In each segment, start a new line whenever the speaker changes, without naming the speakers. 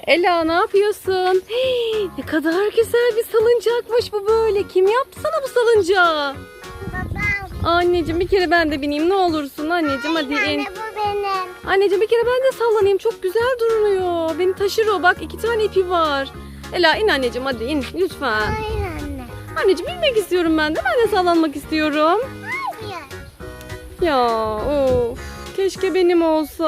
Ela ne yapıyorsun? Hii, ne kadar güzel bir salıncakmış bu böyle. Kim yaptı sana bu salıncağı?
Babam.
Anneciğim bir kere ben de bineyim ne olursun anneciğim hadi in.
Anne bu benim.
Anneciğim bir kere ben de sallanayım çok güzel duruyor. Beni taşır o bak 2 tane ipi var. Ela in anneciğim hadi in lütfen.
Hayır anne.
Anneciğim binmek istiyorum ben de sallanmak istiyorum.
Hayır.
Ya of keşke benim olsa.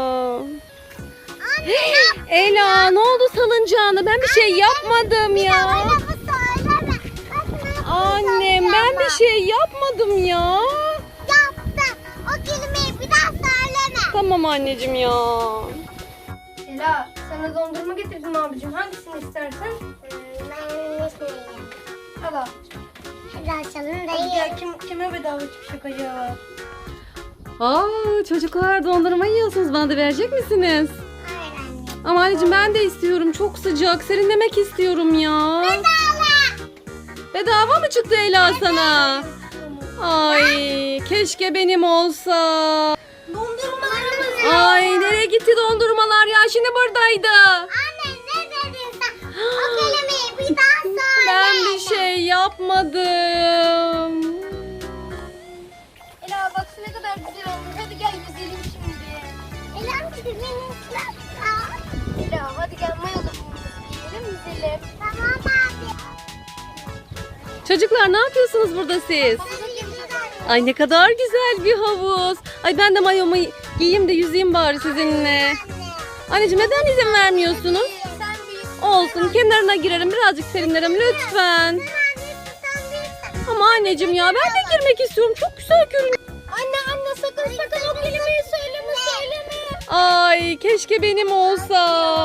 Anne
Ela ne oldu salıncağına ben bir şey yapmadım ya.
bana bu söyleme. Bak ne yapıyorsun
Annem ben bir şey yapmadım ya.
yaptım. O kelimeyi bir daha söyleme.
Tamam anneciğim ya.
Ela, sana dondurma getirdim abicim. Hangisini istersen?
Ben ismiyim.
Al al.
Hadi açalım da
Hadi
yiyelim.
gel, kime bedava çıkacak acaba?
Aa çocuklar dondurma yiyorsunuz bana da verecek misiniz?
Hayır anne.
Ama anneciğim ben de istiyorum çok sıcak serinlemek istiyorum ya. Bedava mı çıktı Ela sana? Ay keşke benim olsa.
Dondurmalarımız
Ay nereye gitti dondurmalar ya şimdi buradaydı.
Anne ne dedin sen? O kelimeyi bir daha söyle.
Ben bir şey yapmadım.
Ela bak ne kadar güzel olmuş. Hadi gel yüzelim şimdi.
Elam benim ıslatma.
Ela hadi gel mayalı yiyelim yüzelim.
Tamam abi.
Çocuklar ne yapıyorsunuz burada siz? Ay ne kadar güzel bir havuz. Ay ben de mayomu giyeyim de yüzeyim bari sizinle. Anneciğim neden izin vermiyorsunuz?
Sen büyük.
Olsun kenarına girerim birazcık serinlerim lütfen. Ama anneciğim ya ben de girmek istiyorum. Çok güzel görünüyor.
Anne sakın o kelimeyi söyleme.
Ay keşke benim olsa.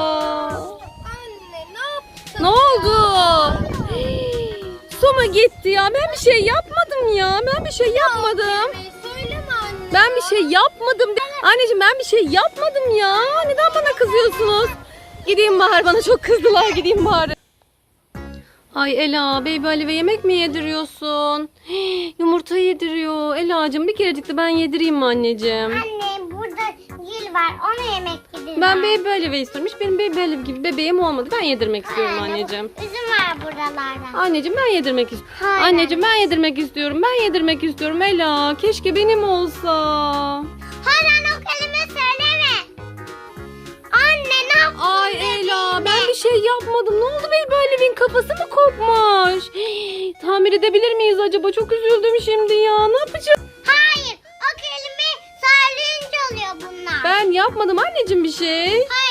Anne ne yaptın?
Ne oldu? Hii, su mu gitti ya? Ben bir şey yapmadım ya. Ben bir şey yapmadım.
Söyleme anne.
Ben bir şey yapmadım. Anneciğim ben bir şey yapmadım ya. Neden bana kızıyorsunuz? Gideyim bari bana çok kızdılar. Gideyim bari. Ay Ela baby Alive yemek mi yediriyorsun? Hii, yumurta yediriyor. Ela'cığım bir kerecik de ben yedireyim mi anneciğim?
Anne burada gül var. Ona yemek yedirdim.
Ben baby Alive istiyorum. Hiç benim baby Alive gibi bebeğim olmadı. Ben yedirmek istiyorum anneciğim.
Üzüm var buralarda.
Anneciğim ben yedirmek istiyorum.
Hayır.
Anneciğim ben yedirmek istiyorum. Ben yedirmek istiyorum Ela. Keşke benim olsa.
Hayır o kelime söyleme. Anne ne yaptın?
Ay Ela ben bir şey yapmadım. Ne oldu Baby Alive'in kafası mı kopmuş? Hii, tamir edebilir miyiz acaba? Çok üzüldüm şimdi ya. Ne yapacağım?
Hayır o kelime söyleyince oluyor bunlar.
Ben yapmadım anneciğim bir şey.
Hayır